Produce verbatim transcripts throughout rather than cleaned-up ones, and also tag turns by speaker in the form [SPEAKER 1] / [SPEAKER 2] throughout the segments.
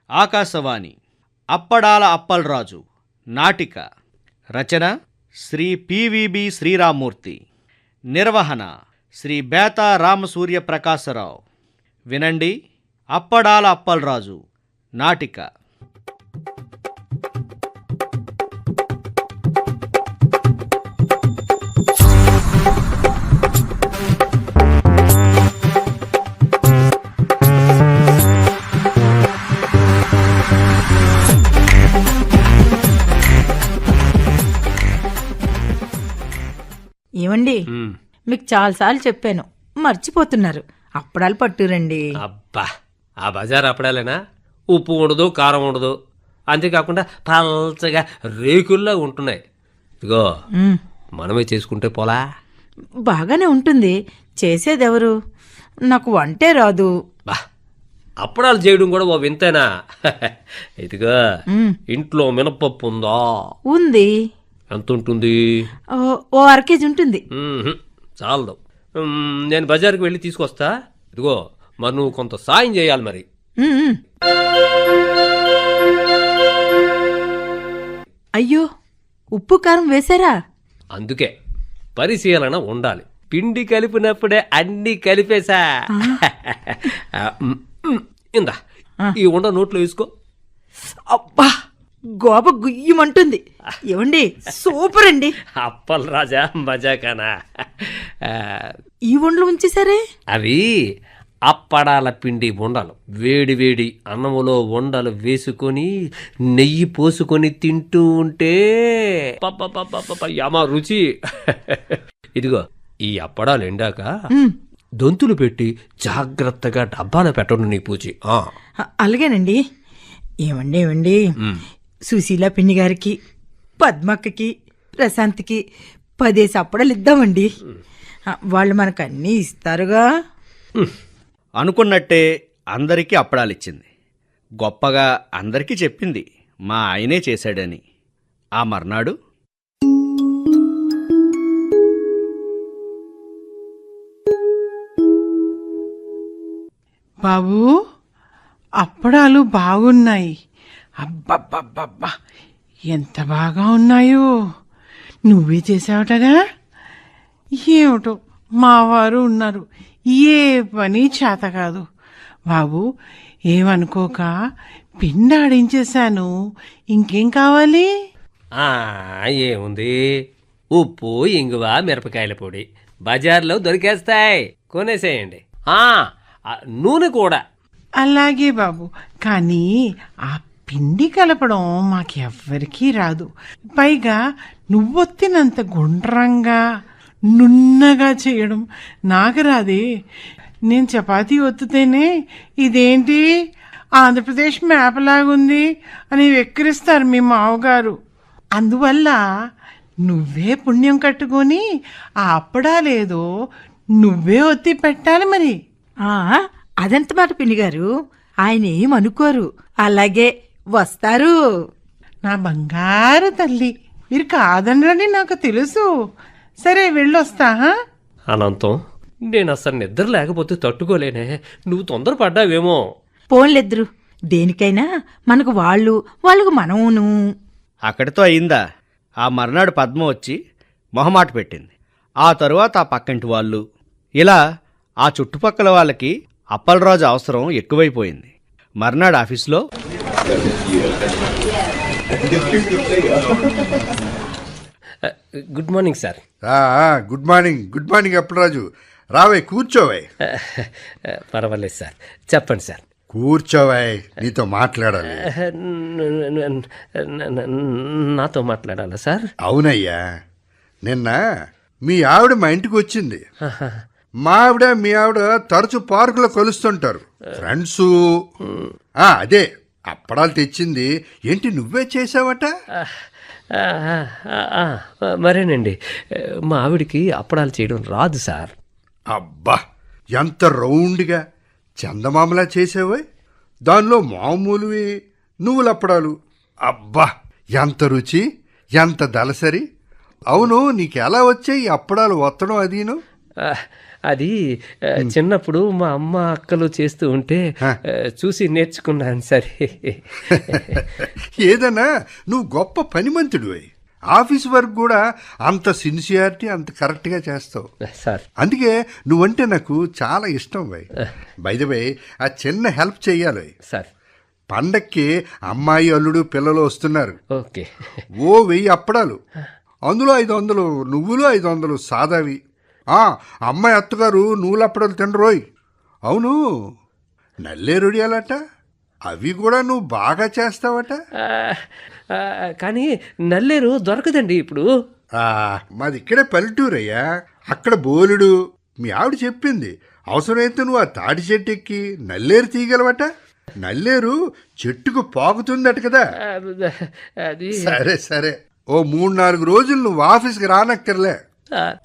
[SPEAKER 1] ఆకాశవాణి అప్పడాల అప్పలరాజు నాటిక రచన శ్రీ పివిబి శ్రీరామ్మూర్తి, నిర్వహణ శ్రీ బేతా రామసూర్య ప్రకాశరావు. వినండి, అప్పడాల అప్పలరాజు నాటిక.
[SPEAKER 2] ఏమండి, మీకు చాలాసార్లు చెప్పాను, మర్చిపోతున్నారు. అప్పడాలు పట్టురండి.
[SPEAKER 3] అబ్బా, ఆ బజార్ అప్పడాలేనా? ఉప్పు ఉండదు, కారం ఉండదు, అంతేకాకుండా పల్చగా రేకుల్లా ఉంటున్నాయి. ఇదిగో మనమే చేసుకుంటే పోలా.
[SPEAKER 2] బాగానే ఉంటుంది, చేసేదెవరు? నాకు వంటే రాదు.
[SPEAKER 3] బా, అప్పడాలు చేయడం కూడా ఓ వింతేనా? ఇదిగో ఇంట్లో మినపప్పు ఉందా?
[SPEAKER 2] ఉంది.
[SPEAKER 3] ఎంత ఉంటుంది?
[SPEAKER 2] ఓ అర కేజీ ఉంటుంది.
[SPEAKER 3] చాలదు, నేను బజార్కి వెళ్ళి తీసుకొస్తా. ఇదిగో మరి నువ్వు కొంత సాయం చేయాలి మరి.
[SPEAKER 2] అయ్యో, ఉప్పు కారం వేశారా?
[SPEAKER 3] అందుకే పరిశీలన ఉండాలి. పిండి కలిపినప్పుడే అన్ని కలిపేశా. ఇందా, ఈ ఉండ నోట్లో వేసుకో.
[SPEAKER 2] అబ్బా, గోప గుయ్యమంటుంది. ఏమండి, సూపర్ అండి.
[SPEAKER 3] అప్పల్ రాజా మజాకానా?
[SPEAKER 2] ఈ ఉండలు ఉంచేసరే?
[SPEAKER 3] అవి అప్పడాల పిండి ఉండలు. వేడి వేడి అన్నములో ఉండలు వేసుకొని నెయ్యి పోసుకొని తింటూ ఉంటే యమ రుచి. ఇదిగో ఈ అప్పడాలు ఎండాక దొంతులు పెట్టి జాగ్రత్తగా డబ్బాలో పెట్టండి నీ పూచి.
[SPEAKER 2] అలాగేనండి. ఏమండి ఏమండి సుశీల పిన్ని గారికి, పద్మక్కకి, ప్రశాంత్కి పదేసి అప్పడాలు ఇద్దామండి. వాళ్ళు మనకు అన్నీ ఇస్తారుగా.
[SPEAKER 1] అనుకున్నట్టే అందరికీ అప్పడాలిచ్చింది. గొప్పగా అందరికీ చెప్పింది మా ఆయనే చేశాడని. ఆ మర్నాడు
[SPEAKER 4] బాబూ, అప్పడాలు బాగున్నాయి. అబ్బబ్బబ్బబ్బా, ఎంత బాగా ఉన్నాయో. నువ్వే చేసావటగా? ఏమిటో, మావారు ఉన్నారు, ఏ పని చేత కాదు. బాబు, ఏమనుకోక పిండి ఆడించేశాను. ఇంకేం కావాలి?
[SPEAKER 3] ఏముంది, ఉప్పు, ఇంగువ, మిరపకాయల పొడి బజార్లో దొరికేస్తాయి, కొనేసేయండి. నూనె కూడా.
[SPEAKER 4] అలాగే బాబు, కానీ ఆ పిండి కలపడం మాకెవ్వరికీ రాదు. పైగా నువ్వొత్తినంత గుండ్రంగా నున్నగా చేయడం నాకు రాదే. నేను చపాతీ ఒత్తితేనే ఇదేంటి ఆంధ్రప్రదేశ్ మ్యాప్ లాగుంది అని వెక్కిరిస్తారు మీ మావగారు. అందువల్ల నువ్వే పుణ్యం కట్టుకొని ఆ అప్పడాలేదో నువ్వే ఒత్తి పెట్టాలి మరి.
[SPEAKER 2] అదెంత మాట పిన్ని గారు, ఆయన ఏమనుకోరు. అలాగే వస్తారు.
[SPEAKER 4] నా బంగారు తల్లి, మీరు కాదనరని నాకు తెలుసు. సరే, వెళ్ళొస్తా.
[SPEAKER 3] అనంతం, నేను అసలు నిద్ర లేకపోతే తట్టుకోలేనే. నువ్వు తొందరపడ్డావేమో.
[SPEAKER 2] పోన్లెద్దరు, దేనికైనా మనకు వాళ్ళు, వాళ్ళకు మనమును.
[SPEAKER 1] అక్కడితో అయిందా? ఆ మర్నాడు పద్మ వచ్చి మొహమాట పెట్టింది. ఆ తరువాత ఆ పక్కంటి వాళ్ళు, ఇలా ఆ చుట్టుపక్కల వాళ్ళకి అప్పలరాజు అవసరం ఎక్కువైపోయింది. మర్నాడు ఆఫీస్లో
[SPEAKER 3] good morning sir.
[SPEAKER 5] Good morning. Good morning Appalaraju. రావే, కూర్చోవే.
[SPEAKER 3] పర్వాలేదు సార్, చెప్పండి సార్.
[SPEAKER 5] కూర్చోవే, నీతో మాట్లాడాలి.
[SPEAKER 3] నాతో మాట్లాడాలా సార్?
[SPEAKER 5] అవునయ్యా, నిన్న మీ ఆవిడ మా ఇంటికి వచ్చింది. మా ఆవిడ మీ ఆవిడ తరచు పార్కులో కలుస్తుంటారు, ఫ్రెండ్స్. అదే అప్పడాలు తెచ్చింది. ఏంటి, నువ్వే చేసావట?
[SPEAKER 3] మరేనండి, మా ఆవిడికి అప్పడాలు చేయడం రాదు సార్.
[SPEAKER 5] అబ్బా, ఎంత రౌండ్గా చందమామలా చేసావే. దానిలో మామూలువి నువ్వుల అప్పడాలు. అబ్బా, ఎంత రుచి, ఎంత దలసరి. అవును, నీకెలా వచ్చాయి అప్పడాలు ఒత్తడం? అదీను
[SPEAKER 3] అది ఆ, చిన్నప్పుడు మా అమ్మ అక్కలు చేస్తూ ఉంటే ఆ, చూసి నేర్చుకున్నాను సరే.
[SPEAKER 5] ఏదన్నా నువ్వు గొప్ప పనిమంతుడు ఆఫీస్ వర్క్ కూడా అంత సిన్సియారిటీ అంత కరెక్ట్గా చేస్తావు.
[SPEAKER 3] సార్
[SPEAKER 5] అందుకే నువ్వంటే నాకు చాలా ఇష్టం వై బైదవై ఆ చిన్న హెల్ప్ చెయ్యాలి.
[SPEAKER 3] సార్
[SPEAKER 5] పండక్కి అమ్మాయి అల్లుడు పిల్లలు వస్తున్నారు.
[SPEAKER 3] ఓకే.
[SPEAKER 5] ఓ వెయ్యి అప్పడాలు, అందులో ఐదు వందలు నువ్వులు, ఐదు వందలు సాదావి. ఆ అమ్మాయి అత్తగారు నువ్వులు అప్పడాలు తినరోయ్. అవును, నల్లేరుడియాలట అవి కూడా నువ్వు బాగా చేస్తావట.
[SPEAKER 3] ఆ, ఆ, కానీ నల్లేరు దొరకదండి ఇప్పుడు.
[SPEAKER 5] ఆ, మాది ఇక్కడే పల్లెటూరయ్యా, అక్కడ బోలుడు. మీ ఆవిడ చెప్పింది అవసరమైతే నువ్వు ఆ తాటి చెట్టు ఎక్కి నల్లేరు తీయగలవట. నల్లేరు చెట్టుకు పాకుతుందట కదా.
[SPEAKER 3] ఆ, అది
[SPEAKER 5] సరే సరే, ఓ మూడు నాలుగు రోజులు నువ్వు ఆఫీస్కి రానక్కర్లే.
[SPEAKER 3] సార్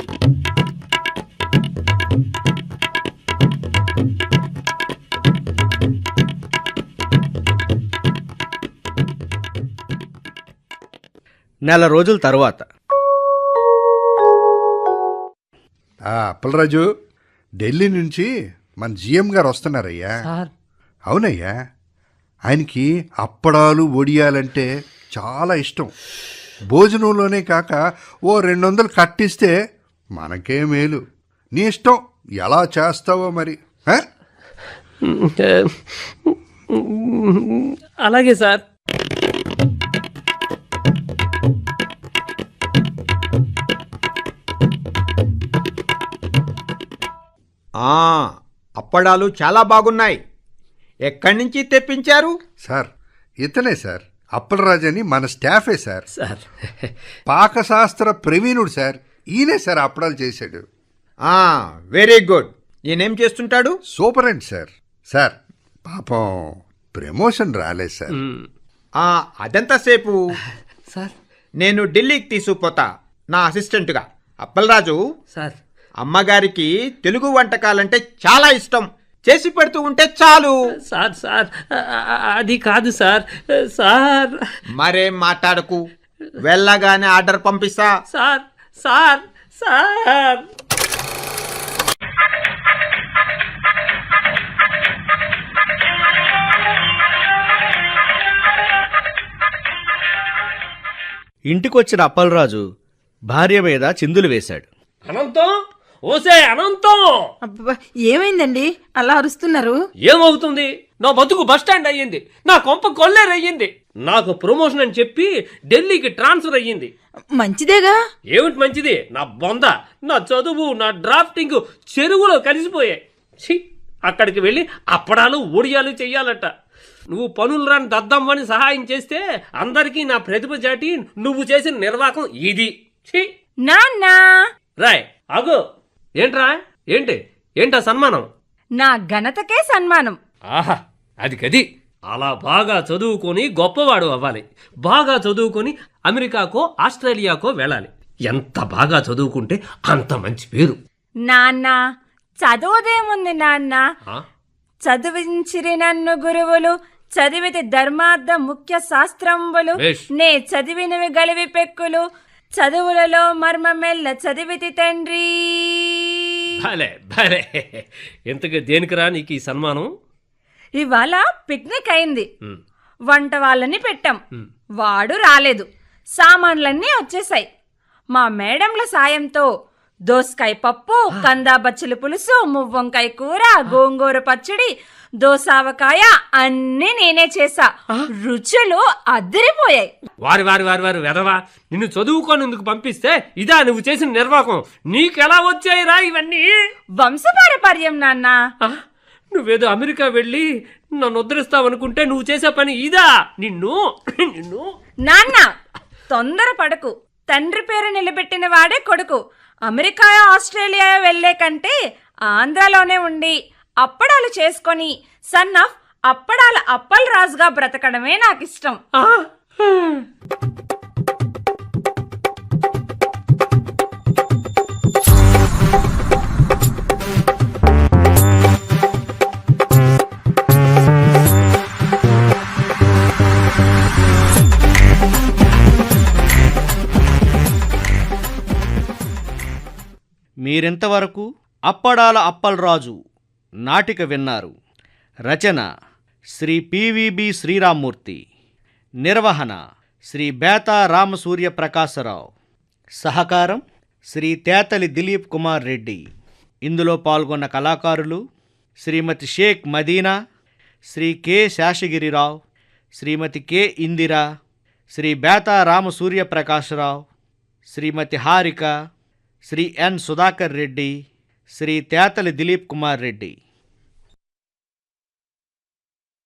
[SPEAKER 1] నెల రోజుల తరువాత
[SPEAKER 5] ఆ అప్పలరాజు, ఢిల్లీ నుంచి మన జిఎం గారు వస్తున్నారయ్యా.
[SPEAKER 3] సార్
[SPEAKER 5] అవునయ్యా, ఆయనకి అప్పడాలు వడియాలంటే చాలా ఇష్టం. భోజనంలోనే కాక ఓ రెండు వందలు కట్టిస్తే మనకే మేలు. నీ ఇష్టం, ఎలా చేస్తావో మరి. ఆ?
[SPEAKER 3] అలాగే సార్.
[SPEAKER 6] ఆ, అప్పడాలు చాలా బాగున్నాయి. ఎక్కడి నుంచి తెప్పించారు?
[SPEAKER 5] సార్ ఇతనే సార్, అప్పలరాజు అని మన స్టాఫే సార్.
[SPEAKER 3] సార్
[SPEAKER 5] పాకశాస్త్ర ప్రవీణుడు సార్. ఈయనే సార్ అప్పడాలు చేశాడు.
[SPEAKER 6] ఆ, వెరీ గుడ్. ఈయనేం చేస్తుంటాడు?
[SPEAKER 5] Superintendent sir. సార్ పాపం ప్రమోషన్ రాలేదు సార్.
[SPEAKER 3] మ్,
[SPEAKER 6] ఆ, అదెంతసేపు?
[SPEAKER 3] సార్
[SPEAKER 6] నేను ఢిల్లీకి తీసుకుపోతా నా అసిస్టెంట్గా. అప్పలరాజు,
[SPEAKER 3] సార్
[SPEAKER 6] అమ్మగారికి తెలుగు వంటకాలంటే చాలా ఇష్టం. చేసి పెడుతూ ఉంటే చాలు.
[SPEAKER 3] సార్ సార్ ఆ, ఆ, అది కాదు సార్. సార్
[SPEAKER 6] మరేం మాట్లాడకు, వెళ్ళగానే ఆర్డర్ పంపిస్తా.
[SPEAKER 3] సార్ సార్ సార్
[SPEAKER 1] ఇంటికొచ్చిన అప్పలరాజు భార్య మీద చిందులు వేశాడు.
[SPEAKER 3] అనంతం, ఓసే అనంతం,
[SPEAKER 2] అబ్బబ్బా, ఏమైందండి అలా అరుస్తున్నారు?
[SPEAKER 3] ఏమవుతుంది? నా బతుకు బస్టాండ్ అయ్యింది, నా కొంప కొల్లేరు అయ్యింది. నాకు ప్రమోషన్ అని చెప్పి ఢిల్లీకి ట్రాన్స్ఫర్ అయ్యింది.
[SPEAKER 2] మంచిదేగా.
[SPEAKER 3] ఏమిటి మంచిది? నా బొంద, నా చదువు, నా డ్రాఫ్టింగ్ చెరువులో కలిసిపోయాయి. ఛీ, అక్కడికి వెళ్ళి అప్పడాలు ఒడియాలు చెయ్యాలట. నువ్వు పనులు రాని దద్దమ్మని సహాయం చేస్తే అందరికీ నా ప్రతిభ చాటి నువ్వు చేసిన నిర్వాహకం ఇది. ఛీ,
[SPEAKER 7] నాన్నా,
[SPEAKER 3] రాయ్ ఆగు. ఏంట్రా? ఏంటి ఏంటా సన్మానం?
[SPEAKER 7] నా ఘనతకే సన్మానం.
[SPEAKER 3] ఆహా, అది గది. అలా బాగా చదువుకొని గొప్పవాడు అవ్వాలి. బాగా చదువుకొని అమెరికాకో ఆస్ట్రేలియాకో వెళ్ళాలి. ఎంత బాగా చదువుకుంటే అంత మంచి పేరు.
[SPEAKER 7] నాన్న, చదువుదేముంది నాన్న.
[SPEAKER 3] ఆ?
[SPEAKER 7] చదివించిరి నన్ను గురువులు, చదివితి ధర్మార్థ ముఖ్య శాస్త్రంబులు.
[SPEAKER 3] భేష్.
[SPEAKER 7] నే చదివినవి గలివి పెక్కులు, చదువులలో మర్మమెల్ల చదివితి తండ్రి.
[SPEAKER 3] భలే భలే. ఎంతగా దేనికిరా నీకు ఈ సన్మానం?
[SPEAKER 7] ఇవాళ పిక్నిక్ అయింది.
[SPEAKER 3] ఉమ్,
[SPEAKER 7] వంట వాళ్ళని పెట్టాం.
[SPEAKER 3] ఉమ్.
[SPEAKER 7] వాడు రాలేదు. సామాన్లన్నీ వచ్చేసాయి. మా మేడంల సాయంతో దోసకాయ పప్పు, కందా బచ్చల పులుసు, మువ్వంకాయ కూర, గోంగూర పచ్చడి, దోసావకాయ అన్నీ నేనే చేసా. రుచులు అదిరిపోయాయి.
[SPEAKER 3] వారి వారి వారి వారి వెదవా, నిన్ను చదువుకోనందుకు పంపిస్తే ఇదా నువ్వు చేసిన నిర్వాహకం? నీకెలా వచ్చాయిరా ఇవన్నీ?
[SPEAKER 7] వంశపారపర్యం నాన్న.
[SPEAKER 3] ఆ? నువ్వేదో అమెరికా వెళ్ళి నన్ను ఉద్ధరిస్తావనుకుంటే నువ్వు చేసే పని ఇదా? నిన్ను నిన్ను
[SPEAKER 7] నాన్న, తొందర పడకు. తండ్రి పేరు నిలబెట్టిన వాడే కొడుకు. అమెరికా ఆస్ట్రేలియా వెళ్లే కంటే ఆంధ్రాలోనే ఉండి అప్పడాలు చేసుకొని సన్ ఆఫ్ అప్పడాల అప్పల్ రాజుగా బ్రతకడమే నాకు ఇష్టం.
[SPEAKER 3] ఆ?
[SPEAKER 1] మీరింతవరకు అప్పడాల అప్పలరాజు నాటిక విన్నారు. రచన శ్రీ పివిబి శ్రీరామ్మూర్తి. నిర్వహణ శ్రీ బేతా రామసూర్య ప్రకాశరావు. సహకారం శ్రీ తేతలి దిలీప్ కుమార్ రెడ్డి. ఇందులో పాల్గొన్న కళాకారులు Shrimati Sheikh Madina, Shri K Seshagirirao, Shrimati K Indira, Shri Betha Ramasurya Prakasarao, Shrimati Harika, Shri N Sudhakar Reddy, Shri Tetali Dilip Kumar Reddy.